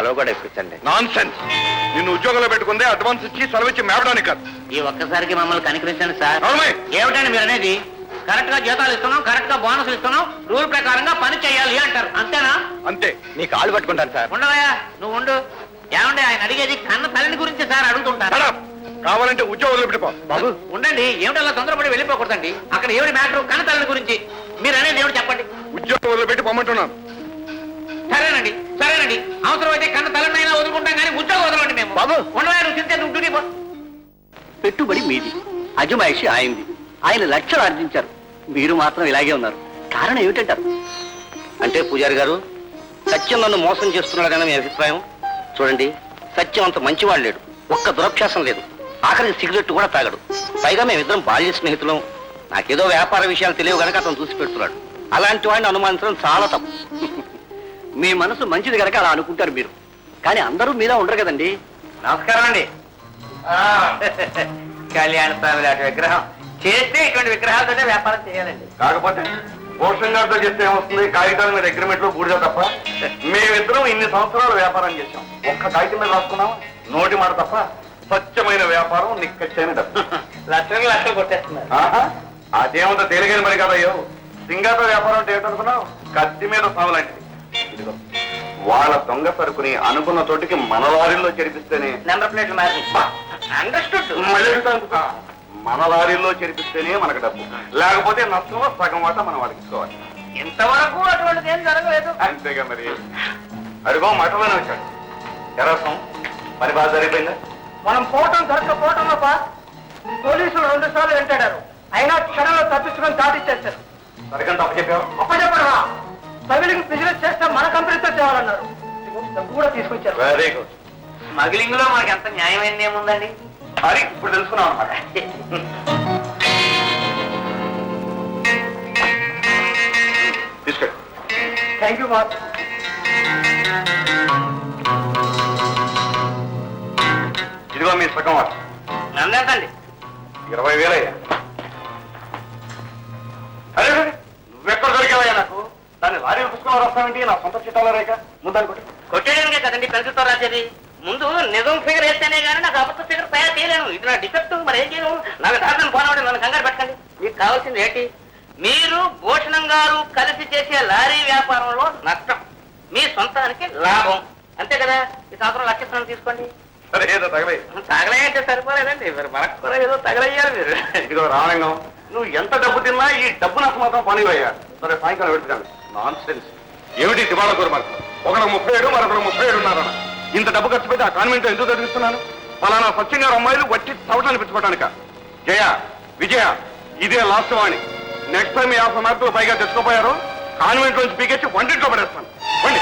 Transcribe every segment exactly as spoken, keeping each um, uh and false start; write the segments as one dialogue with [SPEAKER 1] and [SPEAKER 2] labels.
[SPEAKER 1] సెలవు కూడా ఇప్పించండి.
[SPEAKER 2] Nonsense. నిన్ను ఉద్యోగంలో పెట్టుకుందే అడ్వాన్స్ ఇచ్చి సెలవు ఇచ్చి మేపడానికి కాదు.
[SPEAKER 1] ఈ ఒక్కసారికి మమ్మల్ని కనికరించండి సార్. ఏమిటండి మీరు అనేది? కరెక్ట్ గా జీతాలు ఇస్తున్నాం, కరెక్ట్ గా బోనసులు ఇస్తున్నాం, రూల్ ప్రకారంగా పని చేయాలి అంటారు, అంతేనా?
[SPEAKER 2] అంతే.
[SPEAKER 1] నీ కాళ్ళు పట్టుకుంటాను సార్. ఉండవయ్యా, నువ్వు ఉండు. ఏమండి ఆయన అడిగేది కన్న తల్లిని గురించి సార్ అడుగుతుంటారు.
[SPEAKER 2] కావాలంటే ఉద్యోగంలో పెట్టుకో.
[SPEAKER 1] బాబు ఉండండి, ఏమిటల్లా తొందరపడి వెళ్ళిపోకూడదండి. అక్కడ ఏమిటి మ్యాటర్? కన్న తల్లిని గురించి మీరు అనేది ఏమిటి చెప్పండి.
[SPEAKER 2] ఉద్యోగంలో పెట్టి పొమ్మంటున్నాను.
[SPEAKER 1] సరేనండి సరేనండి, అవసరం అయితే కన్న తల్లినైనా వదులుకుంటాం కానీ ఉద్యోగం వదలండి మేము. బాబు ఉండవా, నువ్వు తింటే నువ్వు డ్యూటీ పో.
[SPEAKER 3] పెట్టుబడి మీది, అజమాయిషి ఆయనది. ఆయన లక్షలు ఆర్జించారు, మీరు మాత్రం ఇలాగే ఉన్నారు. కారణం ఏమిటంటారు?
[SPEAKER 1] అంటే పూజారి గారు, సత్యం నన్ను మోసం చేస్తున్నాడు కానీ మీ అభిప్రాయం? చూడండి, సత్యం అంత మంచివాడు లేడు, ఒక్క దురభ్యాసం లేదు, ఆఖరికి సిగరెట్ కూడా తాగడు. పైగా మేమిద్దరం బాల్య స్నేహితులం. నాకేదో వ్యాపార విషయాలు తెలియవు కనుక అతను చూసి పెడుతున్నాడు. అలాంటి వాడిని అనుమానించడం చాలా తప్పు.
[SPEAKER 3] మీ మనసు మంచిది కనుక అలా అనుకుంటారు మీరు, కానీ అందరూ మీద ఉండరు కదండి.
[SPEAKER 1] నమస్కారం అండి. కళ్యాణ స్వామి లాంటి విగ్రహం చేస్తే ఇటువంటి విగ్రహాలతోనే వ్యాపారం చేయాలండి.
[SPEAKER 2] కాకపోతే భూషణ్ గారితో చేస్తే ఏమొస్తుంది? కాగితాల మీద అగ్రిమెంట్ లో బూడిద తప్ప. మేమిద్దరం ఇన్ని సంవత్సరాలు వ్యాపారం చేశాం, ఒక్క కాగితం మీద రాసుకున్నాం, నోటి మాట తప్ప. స్వచ్ఛమైన వ్యాపారం, నిక్కచ్చైన డబ్బు.
[SPEAKER 1] లక్షలు లక్షలు కొట్టేస్తున్నారు.
[SPEAKER 2] అదేమంత తేలిగైన మరి కదయ్యో. సింగాతో వ్యాపారం అంటే ఏమిటనుకున్నావు? కత్తి మీద సాగు లాంటిది. ఇదిగో వాళ్ళ దొంగ సరుకుని అనుకున్న చోటికి మన లారీల్లో చేర్పిస్తేనే
[SPEAKER 1] నెంబర్ ప్లేట్లు అండర్స్టూడ్.
[SPEAKER 2] మన లారీల్లో చేర్పిస్తేనే మనకు డబ్బు, లేకపోతే నష్టం సగం వాట మనం వాడికి ఇచ్చుకోవాలి.
[SPEAKER 1] ఇంతవరకు అటువంటిది ఏం జరగలేదు.
[SPEAKER 2] అంతేగా మరి. అడుగో మఠలోనే వచ్చాడు ఎరసం. మరి బాగా జరిగిపోయిందా?
[SPEAKER 4] మనం పోవటం దొరకపోవటంలో పోలీసులు రెండు సార్లు వెంటాడారు, అయినా క్షణంలో తప్పించుకొని దాటిచ్చేస్తారు.
[SPEAKER 2] సరికంత అప్పు చెప్పావు?
[SPEAKER 4] అప్ప చెప్పరా, స్మగ్లింగ్ బిజినెస్ చేస్తే మన కంపెనీతో చేయాలన్నారు. డబ్బు కూడా తీసుకొచ్చారు.
[SPEAKER 2] Very good.
[SPEAKER 1] స్మగ్లింగ్ లో మనకి ఎంత న్యాయమైంది ఏముందండి?
[SPEAKER 2] మరి ఇప్పుడు తెలుసుకున్నాం అన్నమాట. తీసుకెళ్ళి.
[SPEAKER 4] Thank you boss.
[SPEAKER 2] ఇదిగో మీ సగం వాట.
[SPEAKER 1] నన్నేంటండి?
[SPEAKER 2] ఇరవై వేలయ్యా. అరే నువ్వెక్కడ దొరికావయ్యా నాకు? దాన్ని లారీ పుస్తకంలో రాస్తావేంటి? నా సొంత చిట్టాలో రేఖ ముందని కొట్టి
[SPEAKER 1] కొట్టేయడానికే కదండి పెన్సిల్తో రాసేది. ముందు నిజం ఫిగర్ వేస్తేనే కానీ నాకు అబద్ధ ఫిగర్ తయారు చేయలేను. ఇది నా డిఫెక్ట్. మరి ఏం చేయను? నాకు దాదాపు పోనవాడి నన్ను కంగారు పెట్టండి. మీకు కావాల్సింది ఏంటి? మీరు భూషణం గారు కలిసి చేసే లారీ వ్యాపారంలో నష్టం, మీ సొంతానికి లాభం, అంతే కదా? ఈ సంవత్సరం లక్షణం తీసుకోండి.
[SPEAKER 2] సరే ఏదో తగలయ్య.
[SPEAKER 1] తగలయ్యంటే సరిపోలేదండి, మరి మనకు కూడా ఏదో తగలయ్యారు మీరు.
[SPEAKER 2] ఇదిగో రామలింగం, నువ్వు ఎంత డబ్బు తిన్నా ఈ డబ్బు నాకు మాత్రం పనివయ్యా. సరే సాయంకాలం పెడుతున్నాను. Nonsense. ఏమిటి దివాళ కూర మనకు? ఒకరికి ముప్పై ఏడు, మరొకరు ముప్పై ఏడు ఉన్నారన్న. ఇంత డబ్బు ఖర్చు పెట్టి ఆ కాన్వెంట్ లో ఎందుకు చదివిస్తున్నాను? ఫలానా సత్యం గారు అమ్మాయిలు వట్టి చవటాన్ని పెంచుకోవటానిక? జయ, విజయ, ఇదే లాస్ట్ వాణి. నెక్స్ట్ టైం యాభై మార్కులు పైగా తెచ్చుకోపోయారు, కాన్వెంట్ లోంచి పీకెచ్చి వంటింట్లో పడేస్తాను. వండి.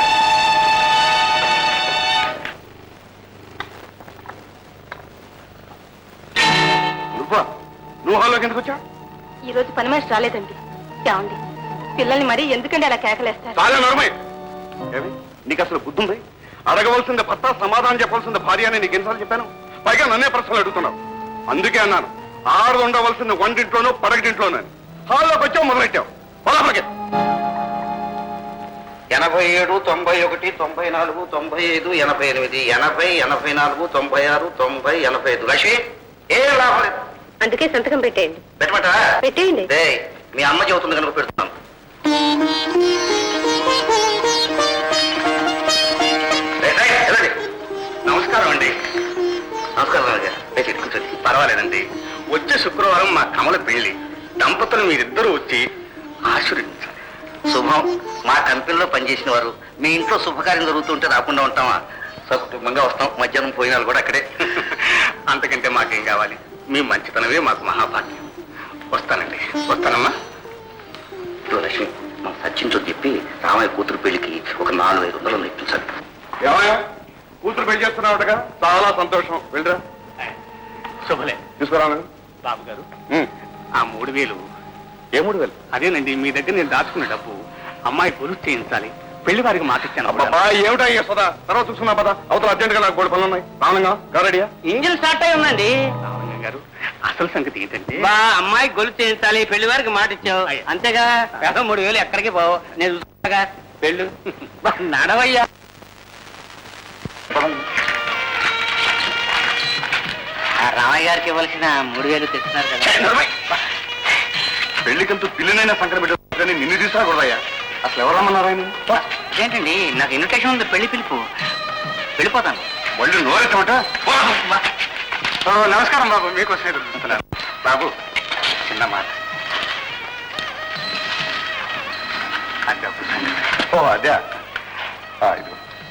[SPEAKER 2] నువ్వా? నువ్వు హాల్లోకి ఎందుకు వచ్చా?
[SPEAKER 5] ఈ రోజు పని మనిషి రాలేదండి. ఏమండి, పిల్లల్ని మరీ ఎందుకండి అలా కేకలేస్తారు?
[SPEAKER 2] చాలా నరమై. ఏమి నీకు అసలు బుద్ధి ఉంది? అడగవలసింది భర్త, సమాధానం చెప్పవలసింది భార్య అని నీకు ఎన్నిసార్లు చెప్పాను? పైగా నన్నే ప్రశ్నలు అడుగుతున్నావు. అందుకే అన్నాను, ఆరు ఉండవలసింది వంటింట్లోనూ పడగటింట్లోనూ. హాల్లోకి వచ్చావు, మొదలెట్టావు. పొలాపలికి.
[SPEAKER 1] ఎనభై ఏడు, తొంభై ఒకటి, తొంభై నాలుగు, తొంభై ఐదు, ఎనభై ఎనిమిది, ఎనభై, ఎనభై నాలుగు, తొంభై ఆరు, తొంభై, ఎనభై ఐదు. లక్ష్మి, ఏం లాభం లేదు.
[SPEAKER 5] అందుకే సంతకం పెట్టేయండి.
[SPEAKER 1] పెట్టమంటా?
[SPEAKER 5] పెట్టేయండి.
[SPEAKER 1] మీ అమ్మ చెబుతుంది కనుక పెడుతున్నాను. నమస్కారం అండి. నమస్కారం రాజా. కూర్చోండి. పర్వాలేదండి. వచ్చే శుక్రవారం మా కమల పెళ్లి. దంపతులు మీరిద్దరూ వచ్చి ఆశీర్వదించాలి. శుభం. మా కంపెనీలో పనిచేసిన వారు మీ ఇంట్లో శుభకార్యం జరుగుతుంటే రాకుండా ఉంటామా? సకుటుంబంగా వస్తాం. మధ్యాహ్నం పోయినాలు కూడా అక్కడే. అంతకంటే మాకేం కావాలి? మీ మంచితనమే మాకు మహాభాగ్యం. వస్తానండి. వస్తానమ్మా. లక్ష్మి, మా సచిన్తో చెప్పి రామయ్య కూతురు పెళ్లికి ఒక నాలుగు ఐదు వందలు ఇప్పించాలి.
[SPEAKER 2] ఏమయ్యా, కూతురు పెళ్లి చేస్తున్నావుటగా? చాలా సంతోషం. వెళ్ళరా.
[SPEAKER 1] శుభలే.
[SPEAKER 2] తీసుకురా.
[SPEAKER 1] బాబు గారు, ఆ మూడు వేలు.
[SPEAKER 2] ఏ మూడు వేలు?
[SPEAKER 1] అదేనండి, మీ దగ్గర నేను దాచుకున్న డబ్బు. అమ్మాయి గొలుసు చేయించాలి, పెళ్లి వారికి మాట ఇచ్చాను.
[SPEAKER 2] అబ్బా, ఏమిటా సదా? తర్వాత చూసుకున్నా పదా. అవతల అర్జెంట్ గా నాకు గోడు పనులు ఉన్నాయి. రావణంగా గారడియా?
[SPEAKER 1] ఇంజిన్ స్టార్ట్ అయి ఉందండి. రావణ్య గారు, అసలు సంగతి ఏంటంటే అమ్మాయి గొలుసు చేయించాలి, పెళ్లి వారికి మాట ఇచ్చావు, అంతేగా? పెద్ద మూడు వేలు ఎక్కడికి పోవు, నేను చూసాగా. పెళ్ళు నడవయ్యా.
[SPEAKER 3] రామయ్య గారికి ఇవ్వాల్సిన మూడు వేలు తెస్తున్నారు కదా.
[SPEAKER 2] పెళ్లికంతూ పిల్లినైనా సంకట పెట్టారు కానీ నిన్ను తీసుకురాకూడదయ్యా. అసలు ఎవరు రమ్మన్నారు ఆయన?
[SPEAKER 3] ఏంటండి నాకు ఇన్విటేషన్ ఉంది, పెళ్లి పిలుపు. వెళ్ళిపోతాను.
[SPEAKER 2] వాళ్ళు నోరెట్టమట. నమస్కారం బాబు, మీకోసమే చూస్తున్నాను. బాబు చిన్న మాట. అదే ఓ అదే ఇది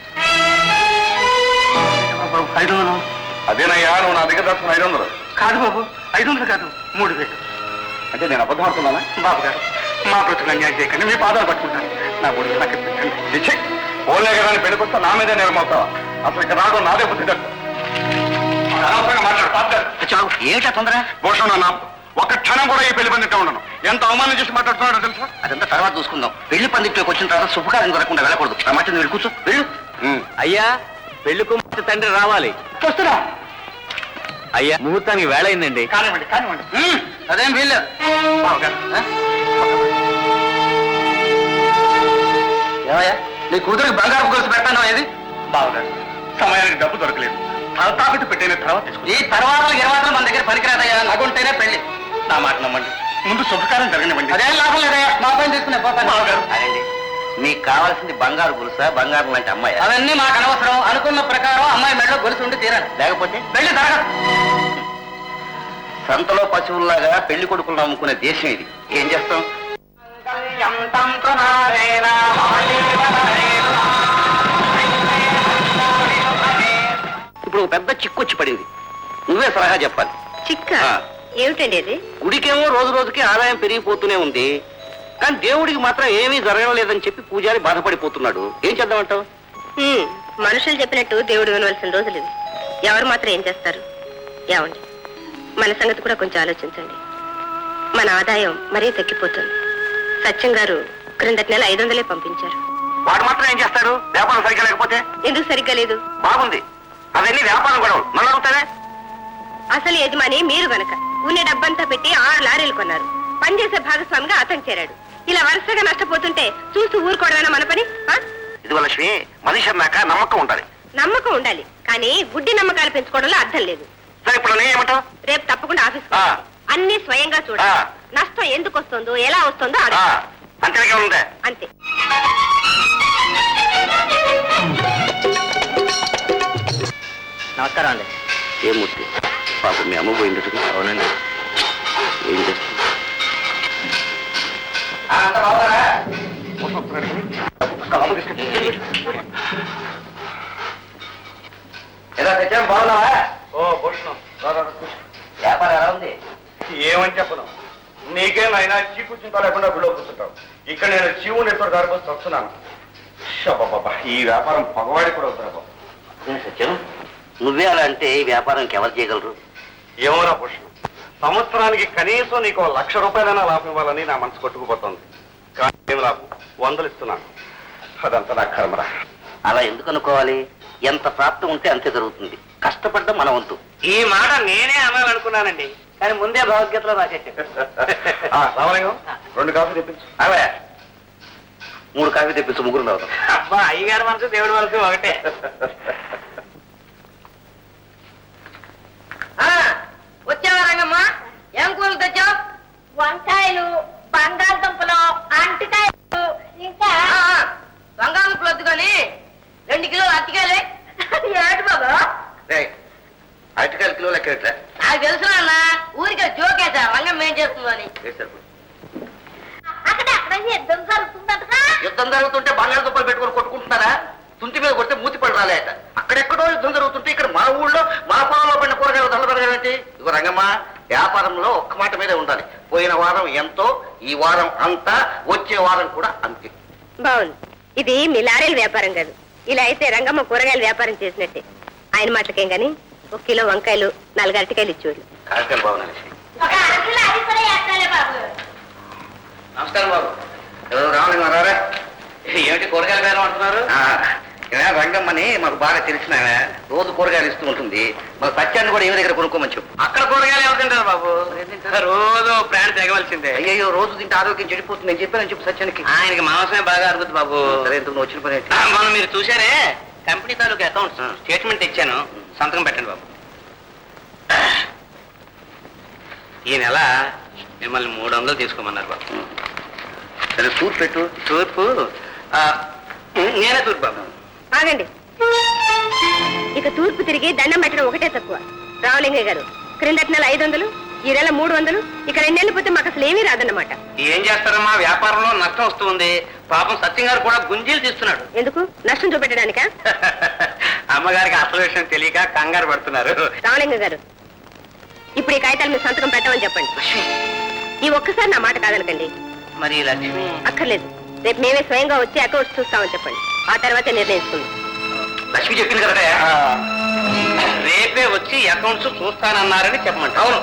[SPEAKER 3] ఐదు వందలు
[SPEAKER 2] అదేనయ్యా, నువ్వు నా దగ్గర దాచుకున్న ఐదు వందలు
[SPEAKER 3] కాదు బాబు, ఐదు వందలు కాదు, మూడు వేలు.
[SPEAKER 2] అంటే నేను అబద్ధం ఆడుతున్నానా?
[SPEAKER 3] బాబు గారు మా బ్రతుకులు అన్యాయం చేయకండి, మీ పాదాలు పట్టుకుంటాను. నా మూడు వేలు నాకు ఇప్పించండి.
[SPEAKER 2] ఓన్లే కదా అని పెళ్ళికొస్తా నా మీదే నేరమవుతావా? అసలు ఇక్కడ రావడం నాదే బుద్ధి తక్కువ. అనవసరంగా మాట్లాడు పాపగారు.
[SPEAKER 3] చాలు, ఏమిటా తొందర?
[SPEAKER 2] భూషణ నా ఒక్క క్షణం కూడా ఈ పెళ్లి పందిట్టే ఉండను. ఎంత అవమానం చేసి మాట్లాడుతున్నాడో తెలుసా?
[SPEAKER 3] అదంతా తర్వాత చూసుకుందాం. పెళ్లి పందిట్లోకి వచ్చిన తర్వాత శుభకార్యం జరగకుండా వెళ్ళకూడదు. ఆ మాట నువ్వు కూర్చో, వెళ్ళు.
[SPEAKER 6] అయ్యా, పెళ్లి కుమార్తె తండ్రి రావాలి.
[SPEAKER 3] వస్తున్నా.
[SPEAKER 6] అయ్యా, ముహూర్తానికి వేళ అయిందండి.
[SPEAKER 3] కానివ్వండి కానివ్వండి. అదేం వీల్లేదు. ఏమయ్యా, నీ కూతురికి బంగారు గొలుసు పెట్టాను ఏది?
[SPEAKER 2] బావగారు, సమయానికి డబ్బు దొరకలేదు. తాకట్టు పెట్టిన తర్వాత తీసుకుంటా.
[SPEAKER 3] ఈ తర్వాత ఇరవై మన దగ్గర పనికిరాదయ్యా, నగుంటేనే పెళ్లి.
[SPEAKER 2] నా మాట నమ్మండి, ముందు శుభకార్యం జరగనివ్వండి.
[SPEAKER 3] అదేం లాభం లేదయ్యా, మా పని తీసుకునే పోతాను.
[SPEAKER 2] బావగారు,
[SPEAKER 3] అదండి, మీకు కావాల్సింది బంగారు గొలుసా, బంగారం లాంటి అమ్మాయి? అవన్నీ మాకు అనవసరం. అనుకున్న ప్రకారం అమ్మాయి మెడలో గొలుసు ఉండి తీరాలి, లేకపోతే పెళ్లి జరగదు. సంతలో పశువుల్లాగా పెళ్లి కొడుకులు నమ్ముకునే దేశం ఇది. ఏం చేస్తాం? ఇప్పుడు ఒక పెద్ద చిక్కు వచ్చి పడింది. నువ్వే సలహా చెప్పాలి.
[SPEAKER 5] చిక్క
[SPEAKER 3] ఆ.
[SPEAKER 5] ఏమిటండి అది?
[SPEAKER 3] గుడికేమో రోజు రోజుకి ఆదాయం పెరిగిపోతూనే ఉంది, కానీ దేవుడికి మాత్రం ఏమీ జరగడం లేదని చెప్పి పూజారి బాధపడిపోతున్నాడు. ఏం చేద్దామంటావు?
[SPEAKER 5] హ్మ్, మనుషులు చెప్పినట్టు దేవుడు వినవలసిన రోజులు ఇవి. ఎవరు మాత్రం ఏం చేస్తారు? ఏమండి, మన సంగతి కూడా కొంచెం ఆలోచించండి. మన ఆదాయం మరీ తగ్గిపోతుంది. సత్యం గారు క్రిందటి నెల ఐదు వందలే పంపించారు.
[SPEAKER 2] వాడు మాత్రం ఏం చేస్తాడు? వ్యాపారం సరిగ్గా లేకపోతే?
[SPEAKER 5] ఎందుకు సరిగ్గా లేదు?
[SPEAKER 2] బాగుంది, అవన్నీ వ్యాపారం గొడవలు. మళ్ళీ అవుతానే.
[SPEAKER 5] అసలు యజమాని మీరు గనక ఉన్న డబ్బంతా పెట్టి ఆరు లారీలు కొన్నారు. పనిచేసే భాగస్వామిగా అతను చేరాడు. ఇలా వరుసగా నష్టపోతుంటే చూస్తూ ఊరుకోవడమేనా మన పని? ఆ?
[SPEAKER 2] ఇది లక్ష్మి, మనిషి అన్నాక నమ్మకం ఉండాలి.
[SPEAKER 5] నమ్మకం ఉండాలి, కానీ గుడ్డి నమ్మకాలు పెంచుకోవడంలో అర్థం లేదు.
[SPEAKER 2] సరే, ఇప్పుడు నేను ఏమంటావు?
[SPEAKER 5] రేపు తప్పకుండా ఆఫీస్
[SPEAKER 2] ఆ.
[SPEAKER 5] అన్ని స్వయంగా చూడాలి.
[SPEAKER 2] ఆ.
[SPEAKER 5] నష్టం ఎందుకు వస్తుందో, ఎలా వస్తుందో
[SPEAKER 2] ఆ,
[SPEAKER 5] అడగాలి.
[SPEAKER 2] అంతేగా ఉందే.
[SPEAKER 5] అంతే.
[SPEAKER 3] నమస్కారం అండి. ఏం మూర్తి, పాప మీ అమ్మ పోయింది. అవునండి. ఏం చేస్తుంది? ఎలా తెచ్చాం? బాగున్నావా?
[SPEAKER 2] ఓ భూషణం, రా, రా, రా, కూర్చో.
[SPEAKER 3] వ్యాపారం ఎలా ఉంది?
[SPEAKER 2] ఏమని చెప్పను, నీకేం అయినా చీకు చింత లేకుండా గుళ్ళో కూర్చుంటావు. ఇక్కడ నేను చీవు నెట్వర్క్ గారికి వస్తున్నాను. బాబా, ఈ వ్యాపారం పగవాడి కూడా అవుతారా బాబు?
[SPEAKER 3] ఏం సత్యం, నువ్వే అలా అంటే ఈ వ్యాపారానికి ఎవరు చేయగలరు?
[SPEAKER 2] ఏమోరా భూషణం, సంవత్సరానికి కనీసం నీకు ఓ లక్ష రూపాయలైనా లాభం ఇవ్వాలని నా మనసు కొట్టుకుపోతుంది. కానీ ఏం లాభం? వందలు ఇస్తున్నాను. అదంతా నా కర్మరా.
[SPEAKER 3] అలా ఎందుకు అనుకోవాలి? ఎంత ప్రాప్తం ఉంటే అంతే జరుగుతుంది. కష్టపడ్డం మన వంతు.
[SPEAKER 4] ఈ మాట నేనే అనాలనుకున్నానండి, కానీ ముందే భగవద్గీతలో రాసేసాను.
[SPEAKER 2] ఆ, రామలింగం, రెండు కాఫీ తెప్పించు.
[SPEAKER 3] అవే మూడు కాఫీ తెప్పించు, ముగ్గురు తాగుతాం.
[SPEAKER 4] అబ్బా, అయ్యగారి మనసు దేవుడి మనసు ఒకటే. వచ్చావా రంగమ్మా? ఏం కూరలు తెచ్చావు?
[SPEAKER 5] వంకాయలు, బంగాళదుంపలు, అంటికాయలు, ఇంకా
[SPEAKER 4] బంగాళదుంపలు వద్దు కానీ రెండు కిలోలు అరటికాయలే.
[SPEAKER 5] ఏడు బాబా.
[SPEAKER 3] అరటికాయలు కిలో లెక్క ఎట్లా?
[SPEAKER 4] నాకు తెలుసు అన్న, ఊరికే జోకేసా రంగం ఏం చేస్తుందని.
[SPEAKER 5] అక్కడ అక్కడ యుద్ధం జరుగుతుందట.
[SPEAKER 3] యుద్ధం జరుగుతుంటే బంగాళదుంపలు పెట్టుకొని కొట్టుకుంటున్నారా? తుంటి మీద కొడితే మూతి పడి రాలేట. అక్కడెక్కడో యుద్ధం జరుగుతుంటే ఇక్కడ మన ఊళ్ళో మన పొలంలో పడిన కూరగాయలు దండ పెరగాలంటే ఇదిగో రంగమ్మ, వ్యాపారంలో ఒక్క మాట మీదే ఉండాలి. పోయిన వారం ఎంతో, ఈ వారం అంతా, వచ్చే వారం కూడా అంతే.
[SPEAKER 5] బాగుంది. ఇది మీ లారీల వ్యాపారం కాదు. ఇలా అయితే రంగమ్మ కూరగాయల వ్యాపారం చేసినట్టే. ఆయన మాటలకేం గాని ఒక కిలో వంకాయలు, నాలుగు అరటికాయలు ఇచ్చేవాళ్ళు.
[SPEAKER 3] కార్యక్రమం బాగున్నాయి. నమస్కారం బాబు. ఎవరు? రామలింగం రారా? ఏమిటి కూరగాయలు బేరం అంటున్నారు? రంగమ్మని మాకు బాగా తెలిసిన ఆమె. రోజు కూరగాయలు ఇస్తూ ఉంటుంది. మన సత్యాన్ని కూడా ఏమి దగ్గర కొనుక్కోమని చెప్పు.
[SPEAKER 4] అక్కడ కూరగాయలు ఎవరు తింటారు బాబు? రోజు ప్రాణం తెగవలసిందే.
[SPEAKER 3] అయ్యో, రోజు తింటే ఆరోగ్యం చెడిపోతుంది. నేను చెప్పానని చెప్పు సత్యానికి.
[SPEAKER 4] ఆయనకి మాంసమే బాగా అరుగుతుంది బాబు.
[SPEAKER 3] సరే, ఎందుకు నువ్వు వచ్చిన పని ఏంటి?
[SPEAKER 4] మనం మీరు చూసారే,
[SPEAKER 3] కంపెనీ తాలూకు అకౌంట్స్ స్టేట్మెంట్ ఇచ్చాను, సంతకం పెట్టండి బాబు. ఈ నెల మిమ్మల్ని మూడు వందలు తీసుకోమన్నారు బాబు.
[SPEAKER 1] సరే తూర్పు పెట్టు.
[SPEAKER 3] తూర్పు ఆ, నేనే తూర్పు బాబు.
[SPEAKER 5] ఆగండి. ఇక తూర్పు తిరిగి దండం పెట్టడం ఒకటే తక్కువ. రామలింగయ్య గారు, క్రిందటి నెల ఐదు వందలు, ఈ నెల మూడు వందలు, ఇక రెండేళ్ళు పోతే మాకు అసలు ఏమీ రాదన్నమాట.
[SPEAKER 3] ఏం చేస్తారమ్మా, వ్యాపారంలో నష్టం వస్తుంది. పాపం సత్యం గారు కూడా గుంజీలు తీస్తున్నాడు.
[SPEAKER 5] ఎందుకు? నష్టం చూపెట్టడానికా?
[SPEAKER 3] అమ్మగారికి అసలు విషయం తెలియక కంగారు పడుతున్నారు.
[SPEAKER 5] రామలింగ గారు, ఇప్పుడు ఈ కాగితాలు మీరు సంతకం పెట్టమని చెప్పండి. ఈ ఒక్కసారి నా మాట కాదనకండి.
[SPEAKER 3] మరి లక్ష్మి
[SPEAKER 5] అక్కర్లేదు, రేపు మేమే స్వయంగా వచ్చి అకౌంట్స్ చూస్తామని చెప్పండి. ఆ తర్వాతే నిర్ణయించుకుందాం.
[SPEAKER 3] లక్ష్మి చెప్పింది కదా, రేపే వచ్చి అకౌంట్స్ చూస్తానన్నారని చెప్పమంట. అవును.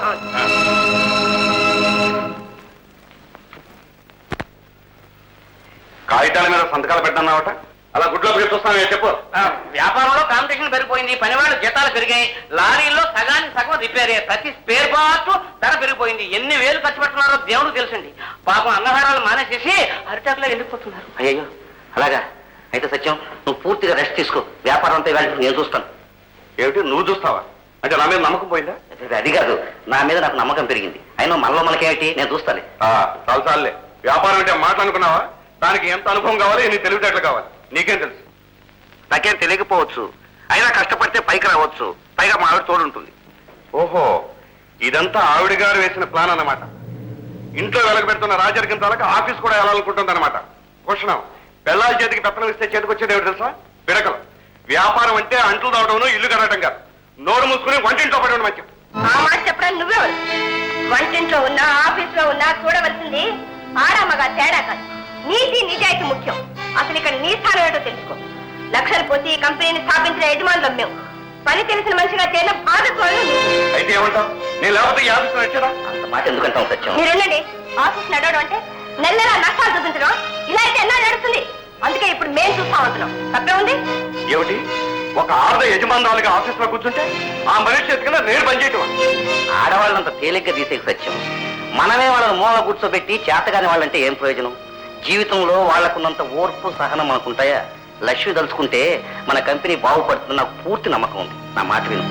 [SPEAKER 2] కాగితాల మీద సంతకాలు పెట్టన్నావట, అలా గుడ్లో పెట్టి చూస్తాను చెప్పు.
[SPEAKER 3] వ్యాపారంలో కాంపిటీషన్ పెరిగిపోయింది, పనివాళ్ళు జీతాలు పెరిగాయి, లారీల్లో సగానికి సగం రిపేర్, ప్రతి స్పేర్ పార్ట్ ధర పెరిగిపోయింది. ఎన్ని వేలు ఖర్చు పెడుతున్నారో దేవుడు తెలుసండి. పాపం అన్నహారాలు మానేసేసి అరిటాకులో వెళ్ళిపోతున్నారు.
[SPEAKER 1] అయ్యో అలాగా అయితే సత్యం, నువ్వు పూర్తిగా రెస్ట్ తీసుకో. వ్యాపారం అంతా ఇవాళ నేను చూస్తాను.
[SPEAKER 2] ఏమిటి నువ్వు చూస్తావా? అంటే నా మీద నమ్మకం పోయిందా?
[SPEAKER 1] అది కాదు, నా మీద నాకు నమ్మకం పెరిగింది. అయినా మనలో మనకేమిటి, నేను చూస్తాను.
[SPEAKER 2] చాలు చాలులే. వ్యాపారం అంటే మాటలు అనుకున్నావా? దానికి ఎంత అనుభవం కావాలి, ఎన్ని తెలివితేటలు కావాలి, నీకేం తెలుసు?
[SPEAKER 1] నాకేం తెలియకపోవచ్చు, అయినా కష్టపడితే పైకి రావచ్చు. పైగా మా ఆవిడ తోడు ఉంటుంది.
[SPEAKER 2] ఓహో, ఇదంతా ఆవిడ గారు వేసిన ప్లాన్ అన్నమాట. ఇంట్లో వెలగబెడుతున్న రాజరికం తాలక ఆఫీస్ కూడా వెళ్ళాలనుకుంటుంది అనమాట. క్వశ్చన్, పెళ్ళాల చేతికి పెత్తనం ఇస్తే చేతికి వచ్చేది ఏమిటి తెలుసా? పిడకలు. వ్యాపారం అంటే అంట్లు దావడం, ఇల్లు కడగటం కాదు. నోరు మూసుకుని వంటింట్లో పడడం మంచిది.
[SPEAKER 5] ఆ మాట చెప్పడానికి నువ్వే వంటింట్లో ఉన్నా ఆఫీస్ లో ఉన్నా చూడవలసింది ఆడామగా తేడా కాదు, నీతి నిజాయితీ ముఖ్యం. అసలు ఇక్కడ నీ స్థానం ఏంటో తెలుసుకో. లక్షలు పోసి ఈ కంపెనీని స్థాపించిన యజమానులం మేము. పని తెలిసిన మనిషిగా చేరిన బాధకోళ్ళు.
[SPEAKER 2] అయితే ఏమంటావు? నేను లేకపోతే ఈ ఆఫీస్ వచ్చారా?
[SPEAKER 1] అంత మాట ఎందుకంటాం సత్యం?
[SPEAKER 5] మీరు వెళ్ళండి. ఆఫీస్ నడవడం అంటే నెల నెల నష్టాలు చూపించడం, ఇలా అయితే ఎలా నడుస్తుంది? అందుకే ఇప్పుడు మేము చూస్తామంటున్నాం. తప్పే ఉంది?
[SPEAKER 2] ఏమిటి, ఒక ఆర్ద యజమానురాలుగా ఆఫీస్ లో కూర్చుంటే ఆ మనిషి చేతికన్నా నేను పనిచేయటం?
[SPEAKER 1] ఆడవాళ్ళంత తేలిగ్గా తీసేకి సత్యం. మనమే వాళ్ళని మూల కూర్చోబెట్టి చేతగాని వాళ్ళంటే ఏం ప్రయోజనం? జీవితంలో వాళ్లకున్నంత ఓర్పు సహనం అనుకుంటాయా? లక్ష్మి తలుచుకుంటే మన కంపెనీ బాగుపడుతుంది, నాకు పూర్తి నమ్మకం ఉంది. నా మాట విను.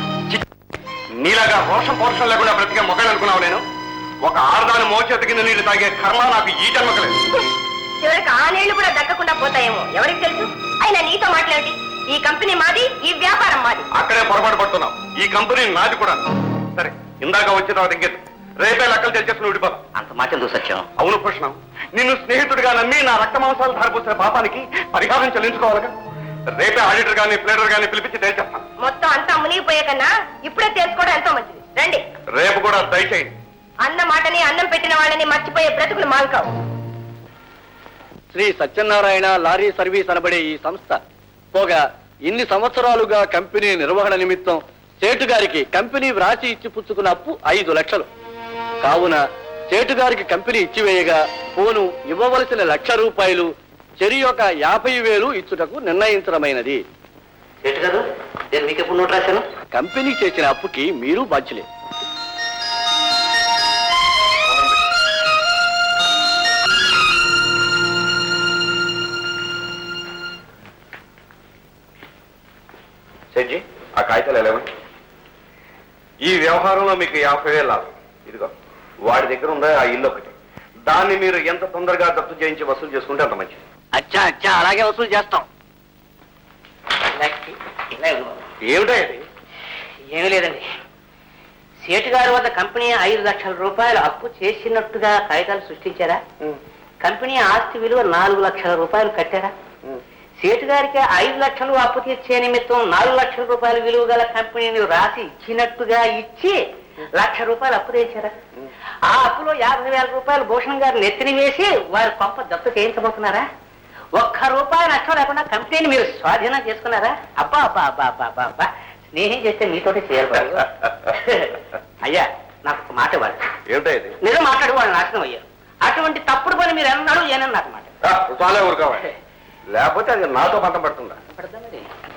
[SPEAKER 2] నీలాగా రోషం పోషం లేకుండా బ్రతికే మొక్కలు అనుకున్నావు నేను? ఒక ఆడదాని మోచేతి కింద నీళ్ళు తాగే కర్మ నాకు ఈ జన్మకలేదు.
[SPEAKER 5] చివరికి ఆ నీళ్లు కూడా దక్కకుండా పోతాయేమో, ఎవరికి తెలుసు? అయినా నీతో మాట్లాడి ఈ కంపెనీ మాది, ఈ వ్యాపారం మాది.
[SPEAKER 2] అక్కడే పొరపాటు పడుతున్నావు. ఈ కంపెనీ నాది కూడా. సరే, ఇందాక వచ్చిన తర్వాత ఇంకేది, రేపే లెక్కలు తెచ్చేసుకుని విడిపోదాం.
[SPEAKER 1] అంత మాట ఎందుకు సత్యం?
[SPEAKER 2] అవును భూషణం, నిన్ను స్నేహితుడిగా నమ్మి నా రక్త మాంసాలు ధారపోసిన పాపానికి పరిహారం చెల్లించుకోవాలిగా. రేపే ఆడిటర్ గాని ప్లేడర్ గాని పిలిపించి తేల్చేస్తాను.
[SPEAKER 5] మొత్తం అంతా మునిగిపోయే కన్నా ఇప్పుడే తెలుసుకోవడం ఎంతో మంచిది. రండి.
[SPEAKER 2] రేపు కూడా దయచేయండి.
[SPEAKER 5] అన్న మాటని అన్నం పెట్టిన వాళ్ళని మర్చిపోయే బ్రతుకులు మాల్కావు.
[SPEAKER 6] శ్రీ సత్యనారాయణ లారీ సర్వీస్ అనబడే ఈ సంస్థ పోగా ఇన్ని సంవత్సరాలుగా కంపెనీ నిర్వహణ నిమిత్తం సేటు గారికి కంపెనీ వ్రాసి ఇచ్చి పుచ్చుకున్న అప్పు ఐదు లక్షలు కావున సేటు గారికి కంపెనీ ఇచ్చివేయగా పోను ఇవ్వవలసిన లక్ష రూపాయలు చెరి యొక్క యాభై వేలు ఇచ్చుటకు నిర్ణయించడమైనది.
[SPEAKER 1] సేటు గారు, నేను మీకు ఎప్పుడు నోట్ రాశాను?
[SPEAKER 6] కంపెనీ చేసిన అప్పుకి మీరు బాధ్యులే.
[SPEAKER 2] సెడ్జి, ఆ కాగితాలు ఎలాగండి? ఈ వ్యవహారంలో మీకు యాభై వేలు లాభం. ఇదిగో, వాడి దగ్గర ఉందా ఆ ఇల్లు ఒకటి. దాన్ని మీరు ఎంత తొందరగా దత్తు చేయించి వసూలు చేసుకుంటే అంత మంచిది.
[SPEAKER 1] అచ్చా అచ్చా, అలాగే వసూలు చేస్తాం.
[SPEAKER 2] ఏమిటా ఇది?
[SPEAKER 3] ఏమీ లేదండి, సేటు గారి వద్ద కంపెనీ ఐదు లక్షల రూపాయలు అప్పు చేసినట్టుగా కాగితాలు సృష్టించారా? కంపెనీ ఆస్తి విలువ నాలుగు లక్షల రూపాయలు కట్టారా? సేటు గారికి ఐదు లక్షలు అప్పు తీర్చే నిమిత్తం నాలుగు లక్షల రూపాయల విలువ గల కంపెనీని రాసి ఇచ్చినట్టుగా ఇచ్చి లక్ష రూపాయలు అప్పు తెచ్చారా? ఆ అప్పులో యాభై వేల రూపాయలు భూషణ్ గారు నెత్తిని వేసి వారి కొంప దత్తు చేయించబోతున్నారా? ఒక్క రూపాయి నష్టం లేకుండా కంపెనీని మీరు స్వాధీనం చేసుకున్నారా? అబ్బా అబ్బా అబ్బా అబ్బా అబ్బా అబ్బా, స్నేహం చేస్తే మీతోటే చేయాలి బాబు. అయ్యా, నాకు ఒక మాట ఇవ్వాలి.
[SPEAKER 2] ఏమిటా ఇది?
[SPEAKER 3] నిజం మాట్లాడి వాళ్ళు నాశనం అయ్యారు. అటువంటి తప్పుడు పని మీరు ఎన్నాడు ఏనని నాకు మాట.
[SPEAKER 2] చాలే ఊరుకోవాలి, లేకపోతే అది నాతో పంట పడుతుందా?